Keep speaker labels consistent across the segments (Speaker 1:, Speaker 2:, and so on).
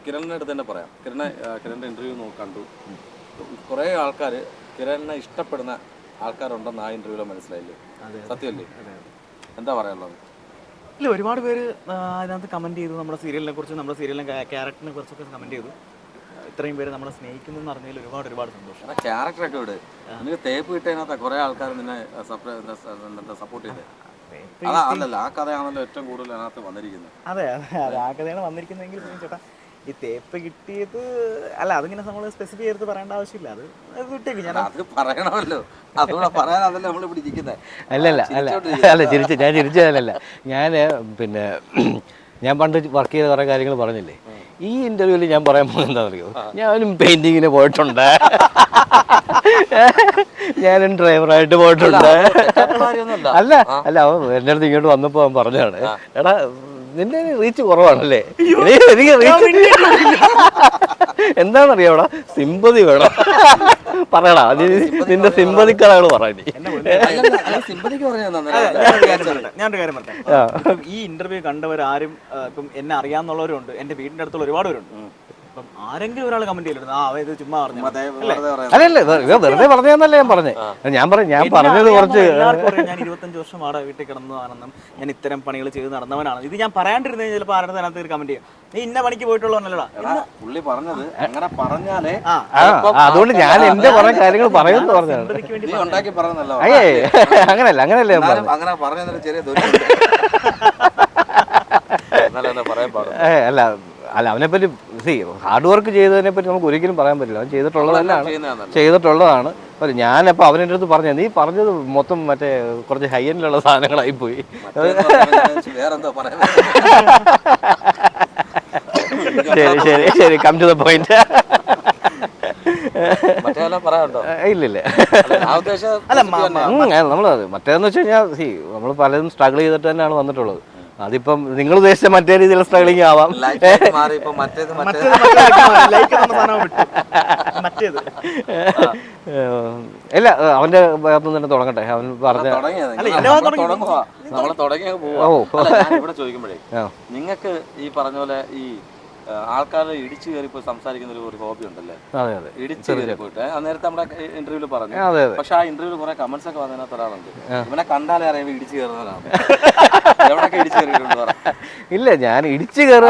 Speaker 1: കിരണിൻ്റെ അടുത്ത് തന്നെ പറയാം. കിരണിൻ്റെ ഇൻ്റർവ്യൂ കണ്ടു. കുറേ ആൾക്കാർ കിരണിനെ ഇഷ്ടപ്പെടുന്ന ആൾക്കാരുണ്ടെന്ന് ആ ഇൻ്റർവ്യൂവിൽ മനസ്സിലായില്ലേ? സത്യമല്ലേ? എന്താ പറയാനുള്ളത്?
Speaker 2: ഇല്ല, ഒരുപാട് പേര് അതിനകത്ത് കമൻറ്റ് ചെയ്തു, നമ്മുടെ സീരിയലിനെ കുറിച്ച്, നമ്മുടെ സീരിയലിനെ ക്യാരക്ടറിനെ കുറിച്ചൊക്കെ കമൻറ്റ് ചെയ്തു. ഇത്രയും പേര് നമ്മളെ സ്നേഹിക്കുന്നു എന്ന് പറഞ്ഞതിൽ ഒരുപാട് സന്തോഷം.
Speaker 1: ക്യാരക്ടറൊക്കെ വിട്, നിനക്ക് തേപ്പ് കിട്ടതിനകത്ത് കുറേ ആൾക്കാർ നിന്നെ സപ്പോർട്ട് ചെയ്തത്. അല്ലല്ല, ആ കഥയാണല്ലോ ഏറ്റവും കൂടുതൽ അതിനകത്ത് വന്നിരിക്കുന്നത്.
Speaker 2: അതെ, ആ കഥയാണ് വന്നിരിക്കുന്നതെങ്കിൽ ചേട്ടാ ഈ തേപ്പ് കിട്ടിയത് അല്ല, അതിങ്ങനെ നമ്മൾ സ്പെസിഫൈ ചെയ്ത് പറയേണ്ട ആവശ്യമില്ല. അത് വിട്ടേക്ക്, ഞാൻ
Speaker 1: അത് പറയണമല്ലോ, അതുകൂടെ പറയാനതല്ലേ നമ്മൾ ഇവിടെ ഇരിക്കുന്നത്.
Speaker 3: അല്ല ഞാൻ ചിരിച്ചതല്ല. ഞാൻ പണ്ട് വർക്ക് ചെയ്ത കുറേ കാര്യങ്ങൾ പറഞ്ഞില്ലേ, ഈ ഇന്റർവ്യൂവിൽ ഞാൻ പറയാൻ പോകുന്നത് എന്താ അറിയോ, ഞാനും പെയിന്റിങ്ങിന് പോയിട്ടുണ്ട്, ഞാനും ഡ്രൈവറായിട്ട് പോയിട്ടുണ്ട്. അല്ല അവൻ എൻ്റെ അടുത്ത് ഇങ്ങോട്ട് വന്നപ്പോൾ അവൻ പറഞ്ഞതാണ്, എടാ നിന്റെ റീച്ച് കുറവാണല്ലേ, എനിക്ക് റീച്ച് എന്താണെന്നറിയാവടാ, സിമ്പതി വേണം പറയടാ, നിന്റെ സിമ്പതിക്കാരാണ് പറയാൻ.
Speaker 2: ഞാനൊരു കാര്യം പറഞ്ഞേ, ഈ ഇന്റർവ്യൂ കണ്ടവരാരും ഇപ്പം എന്നെ അറിയാന്നുള്ളവരുണ്ട്, എന്റെ വീടിന്റെ അടുത്തുള്ള ഒരുപാട് പേരുണ്ട്. അപ്പം ആരെങ്കിലും ഒരാൾ കമന്റ് ചെയ്തിരുന്നു, ചുമ്മാ പറഞ്ഞു.
Speaker 3: അല്ലല്ല, വെറുതെ പറഞ്ഞതെന്നല്ലേ ഞാൻ പറഞ്ഞത്. ഞാൻ പറഞ്ഞത് കുറച്ച്
Speaker 2: ഞാൻ 25 വർഷം അവിടെ വീട്ടിൽ കിടന്നതാണെന്നും ഞാൻ ഇത്തരം പണികൾ ചെയ്ത് നടന്നവനാണ്. ഇത് ഞാൻ പറയാണ്ടിരുന്ന ചിലപ്പോൾ ആരുടെ അതിനകത്ത് കമന്റ് ചെയ്യും, നീ ഇന്ന പണിക്ക് പോയിട്ടുള്ളവനല്ലടാ
Speaker 1: പുള്ളി പറഞ്ഞത്. അങ്ങനെ പറഞ്ഞാലേ
Speaker 3: അതുകൊണ്ട് ഞാൻ എന്റെ കുറെ കാര്യങ്ങൾ പറയുമെന്ന് പറഞ്ഞതാണ്. അങ്ങനല്ല
Speaker 1: അങ്ങനെ പറഞ്ഞ ചെറിയ
Speaker 3: അല്ല അവനെപ്പറ്റി ഹാർഡ് വർക്ക് ചെയ്തതിനെ പറ്റി നമുക്ക് ഒരിക്കലും പറയാൻ പറ്റില്ല. അവൻ ചെയ്തിട്ടുള്ളതാണ്. ഞാനപ്പോൾ അവൻ്റെ അടുത്ത് പറഞ്ഞത്, നീ പറഞ്ഞത് മൊത്തം മറ്റേ കുറച്ച് ഹൈ എൻഡിലുള്ള സാധനങ്ങളായി പോയി. ശരി കം ടു ദ പോയിന്റ്. ഇല്ലില്ല, നമ്മളത് മറ്റേന്ന് വെച്ച് കഴിഞ്ഞാൽ നമ്മൾ പലതും സ്ട്രഗിൾ ചെയ്തിട്ട് തന്നെയാണ് വന്നിട്ടുള്ളത്. അതിപ്പം നിങ്ങൾ ഉദ്ദേശിച്ച മറ്റേ രീതിയിലുള്ള സ്ട്രഗിളിങ് ആവാം. ഇല്ല, അവന്റെ ഭാഗത്തുനിന്ന് തന്നെ തുടങ്ങട്ടെ. അവൻ പറഞ്ഞ
Speaker 1: ചോദിക്കുമ്പോഴേ നിങ്ങൾക്ക് ഈ പറഞ്ഞ പോലെ ഈ ആൾക്കാരെ ഇടിച്ചു കയറി പോയി സംസാരിക്കുന്ന ഒരു ഹോബി ഉണ്ടല്ലേ? ഇടിച്ചു കയറി പോയിട്ട് നേരത്തെ നമ്മുടെ ഇന്റർവ്യൂല് പറഞ്ഞു. പക്ഷെ ആ ഇന്റർവ്യൂല് കുറെ കമന്റ്സ് ഒക്കെ വന്നതിനകത്ത് ഒരാളുണ്ട്, ഇവനെ കണ്ടാലേ അറിയാം ഇടിച്ചു കയറുന്നവരാണ്. എവിടൊക്കെ ഇടിച്ചു കയറിയിട്ടുണ്ട്?
Speaker 3: ഇല്ല, ഞാൻ ഇടിച്ചു കയറുക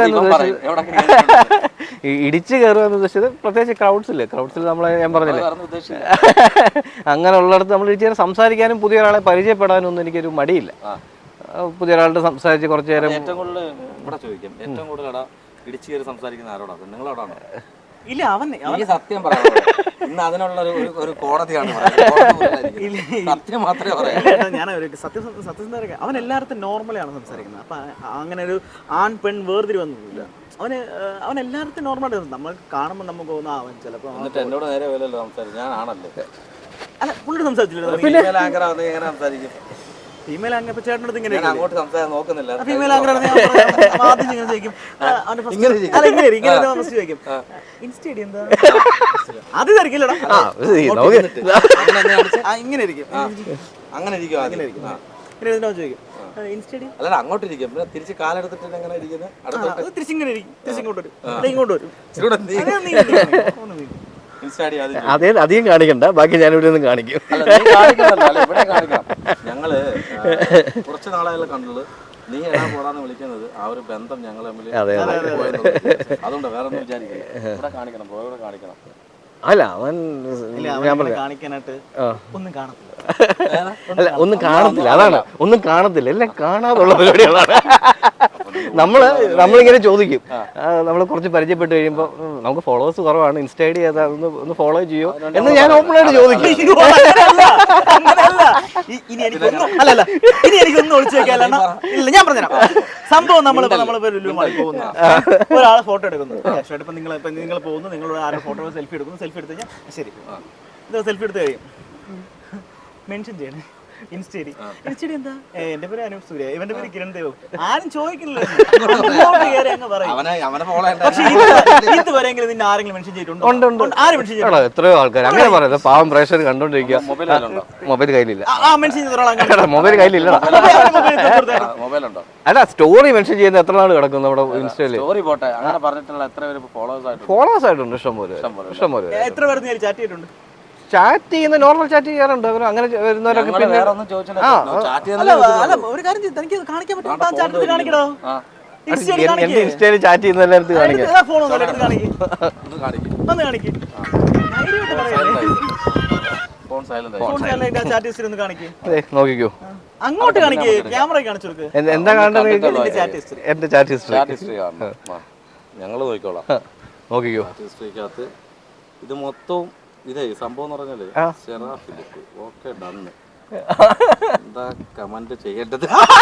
Speaker 3: എന്ന് ഉദ്ദേശിച്ചത് പ്രത്യേകിച്ച് ക്രൗഡ്സിൽ നമ്മളെ ഞാൻ പറഞ്ഞില്ലേ, അങ്ങനെ ഉള്ളിടത്ത് നമ്മൾ ഇടിച്ചു സംസാരിക്കാനും പുതിയ ഒരാളെ പരിചയപ്പെടാനും ഒന്നും എനിക്കൊരു മടിയില്ല. പുതിയ ഒരാളുടെ സംസാരിച്ച് കുറച്ചു നേരം
Speaker 1: ഏറ്റവും കൂടുതൽ ഇവിടെ ചോദിക്കാം, ഏറ്റവും കൂടുതൽ ഇടിച്ചു കയറി സംസാരിക്കുന്ന ആരോടാ? നിങ്ങളോടാണോ?
Speaker 2: ഇല്ല, അവൻ
Speaker 1: സത്യം പറയാം. ഇന്ന് അതിനുള്ള ഒരു കോടതിയാണ്. സത്യം മാത്രമേ പറയാം.
Speaker 2: ഞാൻ സത്യസന്ധ അവൻ എല്ലായിടത്തും നോർമലാണ് സംസാരിക്കുന്നത്. അപ്പൊ അങ്ങനെ ഒരു ആൺ പെൺ വേർതിരിവൊന്നുമില്ല. അവൻ എല്ലായിടത്തും നോർമലായിട്ട് നമ്മൾ കാണുമ്പോൾ നമുക്ക് തോന്നുന്നു അവൻ ചിലപ്പോൾ
Speaker 1: എന്നിട്ട് എന്നോട് നേരെ വിലല്ലോ സംസാരിക്കും. ഞാനാണല്ലേ?
Speaker 2: അല്ല, പുള്ളിയുടെ സംസാരിച്ചില്ല. ഫീമെയിൽ ആങ്കർ ഇപ്പൊ ചേട്ടനടുത്ത് ഇങ്ങനെ
Speaker 1: അങ്ങോട്ട് സംസാരം നോക്കുന്നില്ല.
Speaker 2: ഫീമെയിൽ ആങ്കർ ആദ്യം ഇങ്ങനെ ചോദിക്കും, ചോദിക്കും ഇൻസ്റ്റേഡി എന്താ അത് തിരക്കില്ലടാ, ഇങ്ങനെ ഇരിക്കും,
Speaker 1: അങ്ങനെ ഇരിക്കും, അങ്ങനെ ഇരിക്കും.
Speaker 2: ചോദിക്കും ഇൻസ്റ്റേഡി
Speaker 1: അല്ല, അങ്ങോട്ട് ഇരിക്കും. പിന്നെ തിരിച്ച് കാലെടുത്തിട്ട് എങ്ങനെ ഇരിക്കുന്നത്?
Speaker 2: തിരിച്ചിങ്ങനെ ഇരിക്കും, തിരിച്ചിങ്ങോട്ട് വരും, ഇങ്ങോട്ട് വരും.
Speaker 3: അതേ അധികം കാണിക്കണ്ട, ബാക്കി ഞാൻ ഇവിടെ നിന്ന് കാണിക്കും.
Speaker 1: ഞങ്ങള് കുറച്ച് നാളായാലും കണ്ടത്, നീ എടാ പോടാന്ന് വിളിക്കുന്നത് ആ ഒരു ബന്ധം ഞങ്ങൾ തമ്മിൽ. അതുകൊണ്ട് വേറെ ഒന്നും വിചാരിക്കില്ല. ഇവിടെ കാണിക്കണം, ഇവിടെ കാണിക്കണം.
Speaker 3: അല്ല, അവൻ
Speaker 2: കാണിക്കാനായിട്ട് ഒന്നും കാണത്തില്ല.
Speaker 3: അല്ല, ഒന്നും കാണത്തില്ല, അതാണ് ഒന്നും കാണത്തില്ല, എല്ലാം കാണാതുള്ള പരിപാടികളാണ്. നമ്മളിങ്ങനെ ചോദിക്കും, നമ്മൾ കുറച്ച് പരിചയപ്പെട്ട് കഴിയുമ്പോൾ നമുക്ക് ഫോളോവേഴ്സ് കുറവാണ്, ഇൻസ്റ്റ ഐ ഡി ഏതാ, ഒന്ന് ഫോളോ ചെയ്യോ എന്ന് ഞാൻ ഓപ്പണായിട്ട് ചോദിക്കും.
Speaker 2: ഇനി എനിക്കൊന്നും ഒളിച്ചു വെക്കാനാണ്. ഇല്ല, ഞാൻ പറഞ്ഞുതരാം സംഭവം. ഒരാളെ ഫോട്ടോ എടുക്കുന്നു, ഇപ്പം നിങ്ങൾ പോകുന്നു, നിങ്ങളുടെ ആരുടെ ഫോട്ടോ സെൽഫി എടുക്കുന്നു, സെൽഫി എടുത്ത് കഴിഞ്ഞാൽ ശരി, ഇത് സെൽഫി എടുത്ത് കഴിയും, മെൻഷൻ ചെയ്യണേ, ഇൻസ്റ്റേരി എന്താ എന്റെ പേര് അനൂപ് സൂര്യ, ഇവന്റെ പേര് കിരൺ ദേവ്. ആരും ചോദിക്കില്ല. പക്ഷെ ഇതുവരെയെങ്കിലും നിന്നെ ആരെങ്കിലും മെൻഷൻ ചെയ്തിട്ടുണ്ടോ? ആരും മെൻഷൻ ചെയ്തിട്ടുണ്ടോ?
Speaker 3: എത്രയോ ആൾക്കാർ അങ്ങനെ പറയുന്നത്. പാവം പ്രേക്ഷകർ കണ്ടോണ്ടിരിക്കുക. മൊബൈൽ കയ്യിലില്ല.
Speaker 2: മെൻഷൻ ചെയ്ത
Speaker 3: മൊബൈൽ കയ്യിലില്ല. അല്ല, സ്റ്റോറി മെൻഷൻ ചെയ്യുന്ന എത്ര നാൾ കിടക്കും നമ്മുടെ ഇൻസ്റ്റയില്? ഫോളോവേഴ്സ് ആയിട്ടുണ്ട് ഇഷ്ടംപോലെ.
Speaker 2: എത്ര പേര് ചാറ്റ് ചെയ്തിട്ടുണ്ട്?
Speaker 3: ചാറ്റ് ചെയ്യുന്ന നോർമൽ ചാറ്റ് ചെയ്യാറുണ്ട്. അങ്ങനെ വരുന്നവരൊക്കെ പിന്നെ
Speaker 2: ഒരു കാര്യം തനിക്ക് കാണിക്കാൻ പറ്റും. കാണിക്കണോ?
Speaker 3: എന്റെ ഇൻസ്റ്റയില് ചാറ്റ് ചെയ്യുന്ന എല്ലായിടത്തും കാണിക്കാം.
Speaker 2: ഫോൺ കാണിക്കും.
Speaker 3: നോക്കിക്കോ,
Speaker 2: അങ്ങോട്ട് കാണിക്കേ, ക്യാമറ കാണിച്ചു കൊടുക്ക്.
Speaker 3: എന്താ കാണേണ്ടത്? എന്റെ ചാറ്റ് ഹിസ്റ്ററി
Speaker 1: ഞങ്ങൾ നോക്കിക്കോളാം.
Speaker 3: നോക്കിക്കോ.
Speaker 1: ഹിസ്റ്ററിക്കകത്ത് ഇത് മൊത്തവും ഇതേ സംഭവം എന്ന് പറഞ്ഞാല് ഫിലിപ്പ് ഓക്കെ ഡണ്ണ്. എന്താ കമന്റ് ചെയ്യേണ്ടത്?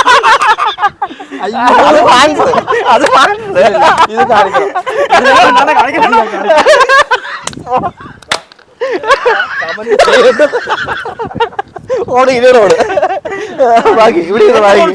Speaker 1: ഇത് കാണിക്കണം.
Speaker 3: ഓട് ഇതിനോട് ബാക്കി ഇവിടെ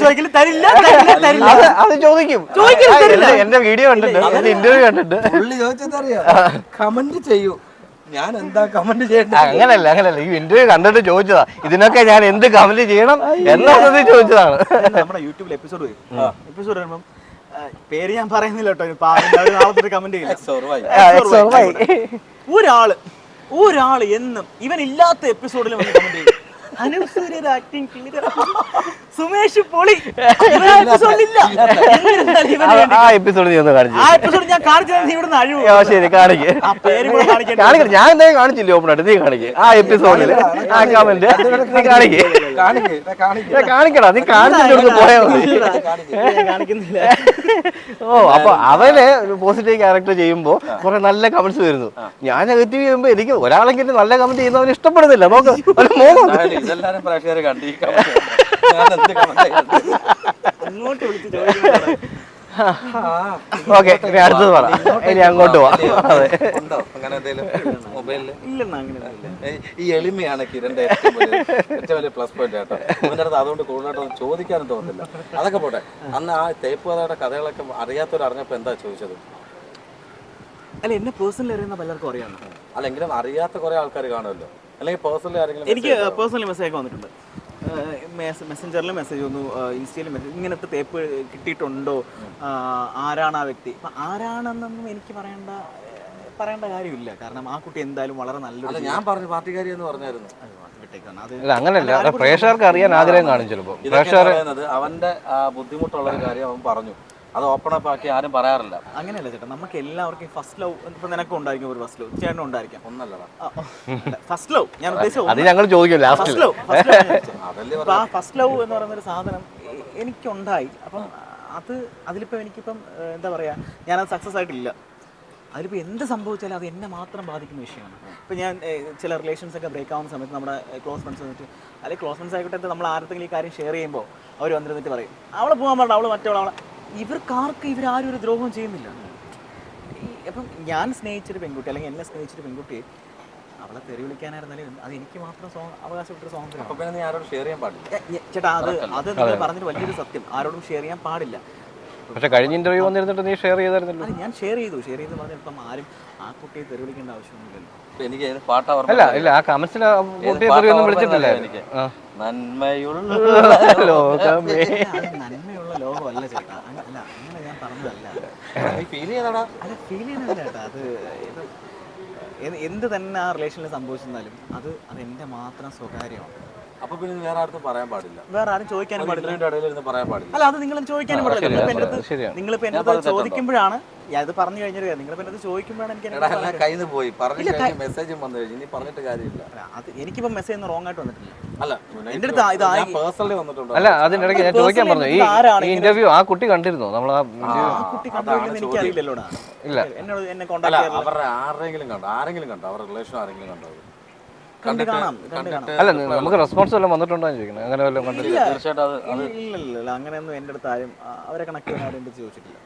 Speaker 3: അത് ചോദിക്കും. എന്റെ വീഡിയോ കണ്ടിട്ട്, എന്റെ ഇന്റർവ്യൂ കണ്ടിട്ട്
Speaker 1: കമന്റ് ചെയ്യൂ. ഞാൻ എന്താ കമന്റ് ചെയ്യണ്ട?
Speaker 3: അങ്ങനല്ല ഈ ഇന്റർവ്യൂ കണ്ടിട്ട് ചോദിച്ചതാ ഇതിനൊക്കെ ഞാൻ എന്ത് കമന്റ് ചെയ്യണം എന്നുള്ളത് ചോദിച്ചതാണ്.
Speaker 2: നമ്മുടെ യൂട്യൂബിൽ എപ്പിസോഡ് വരുമ്പം പേര് ഞാൻ പറയുന്നില്ല കേട്ടോ, കമന്റ് ചെയ്യില്ല. ഒരാള് എന്നും ഇവൻ ഇല്ലാത്ത എപ്പിസോഡിൽ വന്ന് കമന്റ് ചെയ്യും. സുമേഷ് പൊളി.
Speaker 3: ആ എപ്പിസോഡ്
Speaker 2: ഞാൻ കാണിച്ചു.
Speaker 3: ശരി, കാണിക്കേ. ഞാൻ എന്തായാലും കാണിച്ചില്ലേ ഓപ്പണായിട്ട്? നീ കാണിക്കേ ആ എപ്പിസോഡില് ആ കമന്റ് കാണിക്കടാ. നീ കാണിച്ചിട്ട് പോയാ മതി. ഓ, അപ്പൊ അവന് പോസിറ്റീവ് ക്യാരക്ടർ ചെയ്യുമ്പോ കുറെ നല്ല കമന്റ്സ് വരുന്നു. ഞാൻ നെഗറ്റീവ് ചെയ്യുമ്പോ എനിക്ക് ഒരാളെങ്കിലും നല്ല കമന്റ് ചെയ്യുന്നവന് ഇഷ്ടപ്പെടുന്നില്ല. നോക്ക്,
Speaker 1: ഇതെല്ലാരും പ്രേക്ഷകരെ കണ്ടു.
Speaker 3: ഓക്കെ, അടുത്തത് പറ. ഇനി അങ്ങോട്ട് പോവാം.
Speaker 1: ഈ എളിമയാണ് കിരണിന്റെ ഏറ്റവും വലിയ പ്ലസ് പോയിന്റ് കേട്ടോ. അവൻ്റെ അടുത്ത് അതുകൊണ്ട് കൂടുതലായിട്ടൊന്നും ചോദിക്കാനും തോന്നുന്നില്ല. അതൊക്കെ പോട്ടെ. അന്ന് ആ തേപ്പ് കഥയുടെ കഥകളൊക്കെ അറിയാത്തവർ അറിഞ്ഞപ്പോ എന്താ ചോദിച്ചത്?
Speaker 2: അല്ല, എന്നെ പേഴ്സണലി അറിയുന്ന പലർക്കും അറിയാം.
Speaker 1: അല്ലെങ്കിലും അറിയാത്ത കുറെ ആൾക്കാർ കാണുമല്ലോ. അല്ലെങ്കിൽ പേഴ്സണലി ആരെങ്കിലും?
Speaker 2: എനിക്ക് പേഴ്സണലി മെസ്സേജ് വന്നിട്ടുണ്ട്. മെസ്സഞ്ചറിൽ മെസ്സേജ് വന്നു, ഇൻസ്റ്റയിൽ മെസ്സേജ്, ഇങ്ങനത്തെ തേപ്പ് കിട്ടിയിട്ടുണ്ടോ, ആരാണ് ആ വ്യക്തി. അപ്പം ആരാണെന്നൊന്നും എനിക്ക് പറയേണ്ട കാര്യമില്ല. കാരണം ആ കുട്ടി എന്തായാലും വളരെ നല്ലൊരു,
Speaker 1: ഞാൻ പറഞ്ഞു പാർട്ടിക്കാരി എന്ന് പറഞ്ഞായിരുന്നു.
Speaker 3: അങ്ങനെയല്ല, പ്രേക്ഷകർക്ക് അറിയാൻ ആഗ്രഹം കാണും ചിലപ്പോൾ.
Speaker 1: അവന്റെ ബുദ്ധിമുട്ടുള്ള ഒരു കാര്യം അവൻ പറഞ്ഞു. അത് ഓപ്പൺ അപ്പ് ആക്കി ആരും പറയാറില്ല.
Speaker 2: അങ്ങനെയല്ല ചേട്ടാ, നമുക്ക് എല്ലാവർക്കും ഫസ്റ്റ് ലവ് ഇപ്പൊ നിനക്കും ഉണ്ടായിരിക്കും, ഒരു ഫസ്റ്റ് ലവ് ചേട്ടനും ഉണ്ടായിരിക്കാം.
Speaker 1: ഒന്നല്ലടാ
Speaker 2: ഫസ്റ്റ് ലവ് ഞാൻ ഉദ്ദേശിച്ചത്.
Speaker 3: അത് ഞങ്ങൾ ചോദിക്കും ലാസ്റ്റ്.
Speaker 2: ആ ഫസ്റ്റ് ലവ് എന്ന് പറയുന്ന ഒരു സാധനം എനിക്കുണ്ടായി. അപ്പം അതിലിപ്പോ എനിക്കിപ്പം എന്താ പറയാ, ഞാനത് സക്സസ് ആയിട്ടില്ല. അതിലിപ്പോൾ എന്ത് സംഭവിച്ചാലും അത് എന്നെ മാത്രം ബാധിക്കുന്ന വിഷയമാണ്. ഇപ്പോൾ ഞാൻ ചില റിലേഷൻസ് ഒക്കെ ബ്രേക്ക് ആവുന്ന സമയത്ത് നമ്മുടെ ക്ലോസ് ഫ്രണ്ട്സ് വന്നിട്ട്, അല്ലെങ്കിൽ ക്ലോസ് ഫ്രണ്ട്സ് ആയിക്കോട്ടെ, നമ്മൾ ആർക്കെങ്കിലും ഈ കാര്യം ഷെയർ ചെയ്യുമ്പോൾ അവർ വന്നിരുന്നിട്ട് പറയും അവളെ പോകാൻ പാടില്ല, അവൾ മറ്റവളെ. ഇവർക്കാർക്ക് ഇവരാരും ഒരു ദ്രോഹം ചെയ്യുന്നില്ല. അപ്പം ഞാൻ സ്നേഹിച്ചൊരു പെൺകുട്ടി, അല്ലെങ്കിൽ എന്നെ സ്നേഹിച്ചൊരു പെൺകുട്ടിയെ അവളെ തെറി വിളിക്കാനായിരുന്നാലും അത് എനിക്ക് മാത്രം അവകാശപ്പെട്ടൊരു സ്വാതന്ത്ര്യം. ചേട്ടാ, അത് നിങ്ങൾ പറഞ്ഞിട്ട് വലിയൊരു സത്യം. ആരോടും ഷെയർ ചെയ്യാൻ പാടില്ല.
Speaker 3: പക്ഷെ കഴിഞ്ഞ ഇന്റർവ്യൂ വന്നിരുന്നിട്ട് നീ ഷെയർ ചെയ്തായിരുന്നല്ലോ.
Speaker 2: ഞാൻ ഷെയർ ചെയ്തു പറഞ്ഞ ഇപ്പം ആരും ആ കുട്ടിയെ തെറി വിളിക്കേണ്ട ആവശ്യമൊന്നുമില്ലല്ലോ.
Speaker 3: ഇല്ല, ആ കമന്റ്സിൽ കുട്ടിയെ തെറിയൊന്നും വിളിച്ചിട്ടില്ല. എനിക്ക്
Speaker 1: നന്മയുള്ള
Speaker 3: ലോകമേ,
Speaker 2: നന്മയുള്ള ലോകമല്ല ചേട്ടാ. അല്ല, അങ്ങനെ ഞാൻ പറഞ്ഞതല്ല.
Speaker 1: ഫീൽ ചെയ്യുന്നതാ.
Speaker 2: അല്ല, ഫീൽ ചെയ്യുന്നതല്ല ചേട്ടാ. അത് എന്ത് തന്നെ ആ റിലേഷനിൽ സംഭവിച്ചെന്നാലും അത് എൻ്റെ മാത്രം സ്വകാര്യമാണ്.
Speaker 1: അപ്പൊ പിന്നെ വേറെ ആർക്കും പറയാൻ പാടില്ല,
Speaker 2: വേറെ ആരും ചോദിക്കാനും പാടില്ല.
Speaker 1: പറയാൻ പാടില്ല.
Speaker 2: അല്ല, അത് നിങ്ങൾ ചോദിക്കാനും പാടില്ല. നിങ്ങളിപ്പോ എന്റെ അടുത്ത് ചോദിക്കുമ്പോഴാണ് അത് പറഞ്ഞു കഴിഞ്ഞൊരു കാര്യം. നിങ്ങളിപ്പോ എന്റെ അടുത്ത് ചോദിക്കുമ്പോഴാണ് എനിക്ക്
Speaker 1: കയ്യിൽ പോയി മെസ്സേജും വന്നു കഴിഞ്ഞു. ഇനി പറഞ്ഞിട്ട് കാര്യമില്ല.
Speaker 2: അത് എനിക്കിപ്പോ മെസ്സേജ് ഒന്നും റോങ് ആയിട്ട് വന്നിട്ടില്ല.
Speaker 1: അല്ല,
Speaker 2: എന്റെ അടുത്ത്
Speaker 1: പേഴ്സണലി വന്നിട്ടുണ്ട്.
Speaker 3: അല്ല, അതിനിടയ്ക്ക് ഞാൻ ചോദിക്കാൻ പറഞ്ഞു, ഈ ഇന്റർവ്യൂ ആ കുട്ടി കണ്ടിരുന്നോ? നമ്മൾ ആ
Speaker 2: കുട്ടി കണ്ടില്ലെന്ന് എനിക്ക് അറിയില്ലല്ലോടാ.
Speaker 3: ഇല്ല,
Speaker 2: എന്നോട് എന്നെ കോൺടാക്ട് ചെയ്യാൻ
Speaker 1: അവരുടെ ആരെങ്കിലും കണ്ടോ? അവരുടെ റിലേഷൻ ആരെങ്കിലും കണ്ടോ?
Speaker 3: അല്ല, നമുക്ക് റെസ്പോൺസ് വല്ലതും വന്നിട്ടുണ്ടോ ചോദിക്കണം. അങ്ങനെ വല്ലതും കണ്ടില്ല.
Speaker 2: തീർച്ചയായിട്ടും. ഇല്ല, അങ്ങനെയൊന്നും എൻ്റെ അടുത്ത് ആരും അവരെ കണക്ട് ചെയ്യാൻ ആരും ചോദിച്ചിട്ടില്ല.